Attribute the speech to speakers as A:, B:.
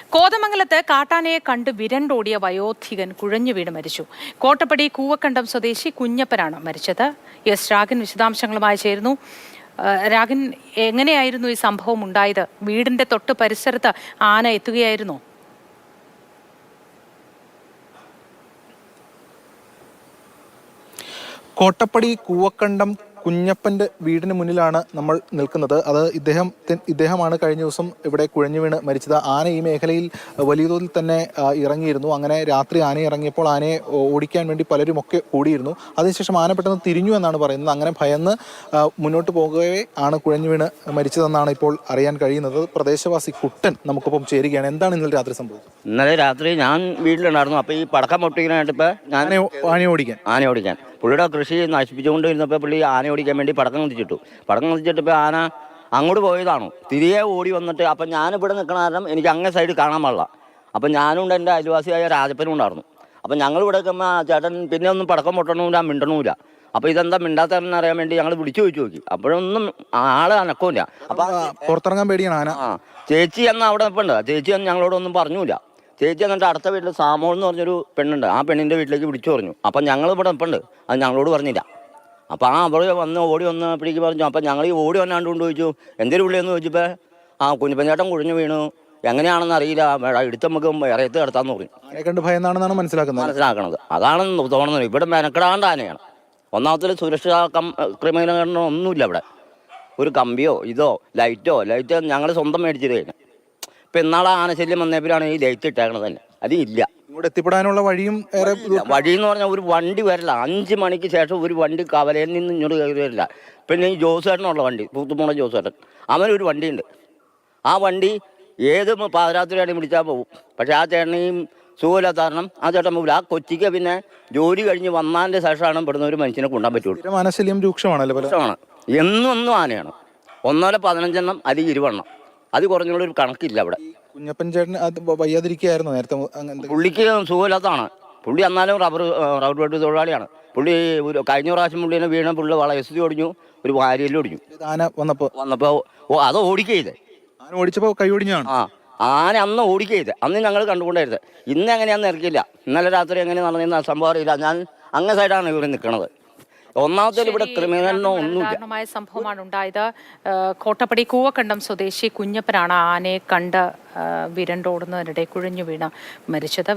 A: കോതമംഗലത്ത് കാട്ടാനയെ കണ്ട് വിരണ്ടോടിയ വയോധികൻ കുഴഞ്ഞു വീണ് മരിച്ചു. കോട്ടപ്പടി കൂവക്കണ്ടം സ്വദേശി കുഞ്ഞപ്പനാണ് മരിച്ചത്. എസ് രാഗൻ വിശദാംശങ്ങളുമായി ചേരുന്നു. രാഗൻ, എങ്ങനെയായിരുന്നു ഈ സംഭവം ഉണ്ടായത്? വീടിന്റെ തൊട്ട് പരിസരത്ത് ആന എത്തുകയായിരുന്നോ?
B: കോട്ടപ്പടി കൂവക്കണ്ടം കുഞ്ഞപ്പൻ്റെ വീടിന് മുന്നിലാണ് നമ്മൾ നിൽക്കുന്നത്. അത് ഇദ്ദേഹമാണ് കഴിഞ്ഞ ദിവസം ഇവിടെ കുഴഞ്ഞു വീണ് മരിച്ചത്. ആന ഈ മേഖലയിൽ വലിയ തോതിൽ തന്നെ ഇറങ്ങിയിരുന്നു. അങ്ങനെ രാത്രി ആന ഇറങ്ങിയപ്പോൾ ആനയെ ഓടിക്കാൻ വേണ്ടി പലരും ഒക്കെ ഓടിയിരുന്നു. അതിനുശേഷം ആന പെട്ടെന്ന് തിരിഞ്ഞു എന്നാണ് പറയുന്നത്. അങ്ങനെ ഭയന്ന് മുന്നോട്ട് പോകുകയെ ആണ് കുഴഞ്ഞു വീണ് മരിച്ചതെന്നാണ് ഇപ്പോൾ അറിയാൻ കഴിയുന്നത്. പ്രദേശവാസി കുട്ടൻ നമുക്കൊപ്പം ചേരുകയാണ്. എന്താണ് ഇന്നലെ രാത്രി സംഭവിച്ചത്?
C: ഇന്നലെ രാത്രി ഞാൻ വീട്ടിലുണ്ടായിരുന്നു. അപ്പോൾ ഈ പടക്കം പൊട്ടിക്കാനായിട്ട് ഇപ്പോൾ ഞാൻ ആന ഓടിക്കാൻ പുള്ളിയുടെ കൃഷി നശിപ്പിച്ചുകൊണ്ടിരുന്നപ്പോൾ പുള്ളി ആന ഓടിക്കാൻ വേണ്ടി പടക്കം കത്തിച്ചിട്ടിപ്പോൾ ആന അങ്ങോട്ട് പോയതാണോ തിരികെ ഓടി വന്നിട്ട് അപ്പം ഞാനിവിടെ നിൽക്കണ കാരണം എനിക്ക് അങ്ങേ സൈഡ് കാണാൻ പാടില്ല. അപ്പം ഞാനുണ്ട്, എൻ്റെ അയൽവാസിയായ രാജപ്പനും ഉണ്ടായിരുന്നു. അപ്പം ഞങ്ങൾ ഇവിടെ നിൽക്കുമ്പോൾ ചേട്ടൻ പിന്നെ ഒന്നും പടക്കം പൊട്ടണമില്ല, മിണ്ടണമില്ല. അപ്പോൾ ഇതെന്താ മിണ്ടാത്തതെന്ന് അറിയാൻ വേണ്ടി ഞങ്ങൾ വിളിച്ചു ചോദിച്ചു നോക്കി. അപ്പോഴൊന്നും ആള് അനക്കമില്ല. അപ്പം
B: പുറത്തിറങ്ങാൻ പേടിയാണ് ആന.
C: ചേച്ചി എന്ന് അവിടെ നിൽപ്പുണ്ട്. ചേച്ചി എന്ന് ഞങ്ങളോടൊന്നും പറഞ്ഞില്ല. ചേച്ചി എന്നിട്ട് അടുത്ത വീട്ടിൽ സാമോൾ എന്ന് പറഞ്ഞൊരു പെണ്ണുണ്ട്. ആ പെണ്ണിൻ്റെ വീട്ടിലേക്ക് വിളിച്ചു പറഞ്ഞു. അപ്പം ഞങ്ങൾ ഇവിടെ നിൽപ്പുണ്ട്, അത് ഞങ്ങളോട് പറഞ്ഞില്ല. അപ്പോൾ അവിടെ ഓടി വന്നപ്പോഴേക്ക് പറഞ്ഞു. അപ്പം ഞങ്ങൾ ഈ ഓടി വന്നാണ്ട് കൊണ്ട് ചോദിച്ചു എന്തൊരു വിളിയെന്ന് ചോദിച്ചപ്പോൾ കുഞ്ഞപ്പൻചേട്ടൻ കുഴഞ്ഞു വീണു, എങ്ങനെയാണെന്ന് അറിയില്ല, എടുത്ത് നമുക്ക് ഇറയത്ത് കിടത്താന്ന് പറഞ്ഞു.
B: കണ്ട് ഭയന്നാണെന്നാണ് മനസ്സിലാക്കണത്.
C: അതാണ് തോന്നുന്നത്. ഇവിടെ മെനക്കെടാണ്ട് ആനയാണ്. ഒന്നാമത്തെ സുരക്ഷാ ക്രമീകരണം ഒന്നുമില്ല ഇവിടെ. ഒരു കമ്പിയോ ലൈറ്റോ ഞങ്ങൾ സ്വന്തം മേടിച്ചത് കഴിഞ്ഞു. ഇപ്പം ഇന്നാളെ ആനശല്യം വന്നപ്പോഴാണ് ഈ ലൈറ്റ് ഇട്ടേക്കണത് തന്നെ. അത് ഇല്ല.
B: ഇവിടെ എത്തിപ്പെടാനുള്ള വഴിയും
C: വഴിയെന്ന് പറഞ്ഞാൽ ഒരു വണ്ടി വരില്ല. 5 മണിക്ക് ശേഷം ഒരു വണ്ടി കവലയിൽ നിന്ന് ഇങ്ങോട്ട് കയറി വരില്ല. പിന്നെ ഈ ജോസേട്ടനുള്ള വണ്ടി, തൂത്തുമൂണ ജോസേട്ടൻ, അവനൊരു വണ്ടിയുണ്ട്. ആ വണ്ടി ഏത് പാതിരാത്രിയാണെങ്കിൽ വിളിച്ചാൽ പോകും. പക്ഷേ ആ ചേട്ടനെയും സുഖമില്ലാത്ത കാരണം ആ ചേട്ടൻ പോകില്ല. ആ കൊച്ചിക്ക് പിന്നെ ജോലി കഴിഞ്ഞ് വന്നതിൻ്റെ ശേഷമാണ് ഇവിടുന്ന് ഒരു മനുഷ്യനെ കൊണ്ടാൻ പറ്റുള്ളൂ.
B: ആനശല്യം രൂക്ഷമാണ്.
C: എന്നും ആനയാണ്. 15 അല്ലെങ്കിൽ 20. അത് കുറഞ്ഞുള്ളൊരു കണക്കില്ല ഇവിടെ.
B: കുഞ്ഞപ്പൻ ചേട്ടൻ വയ്യാതിരിക്കുകയായിരുന്നു നേരത്തെ.
C: പുള്ളിക്ക് സുഖമില്ലാത്തതാണ്. പുള്ളി എന്നാലും റബ്ബർ വെട്ട് തൊഴിലാളിയാണ്. പുള്ളി കഴിഞ്ഞ പ്രാവശ്യം പുള്ളിനെ വീണ പുള്ളി വളയസ്തി ഒടിഞ്ഞു, ഒരു വാരിയെല്ലാം ഒടിഞ്ഞു.
B: ആന വന്നപ്പോൾ
C: അത് ഓടിക്കയില്ലേ.
B: ആന ഓടിച്ചപ്പോൾ കൈ ഒടിഞ്ഞാണ്.
C: ആന അന്ന് ഓടിക്കയില്ല. അന്ന് ഞങ്ങൾ കണ്ടുകൊണ്ടായിരുന്നത്. ഇന്ന് എങ്ങനെയാണെന്ന് ഇറക്കില്ല. ഇന്നലെ രാത്രി എങ്ങനെ നടന്നിരുന്ന സംഭവം അറിയില്ല. ഞാൻ അങ്ങേ സൈഡാണ് ഇവിടെ നിൽക്കുന്നത്. ഒന്നാമത്തെ ഇവിടെ ക്രിമിനലിനോ ഒന്നുമില്ല.
A: സംഭവമാണ് ഉണ്ടായത്. കോട്ടപ്പടി കൂവക്കണ്ടം സ്വദേശി കുഞ്ഞപ്പനാണ് ആനയെ കണ്ട് വിരണ്ടോടുന്നതിനിടെ കുഴഞ്ഞു വീണ് മരിച്ചത്.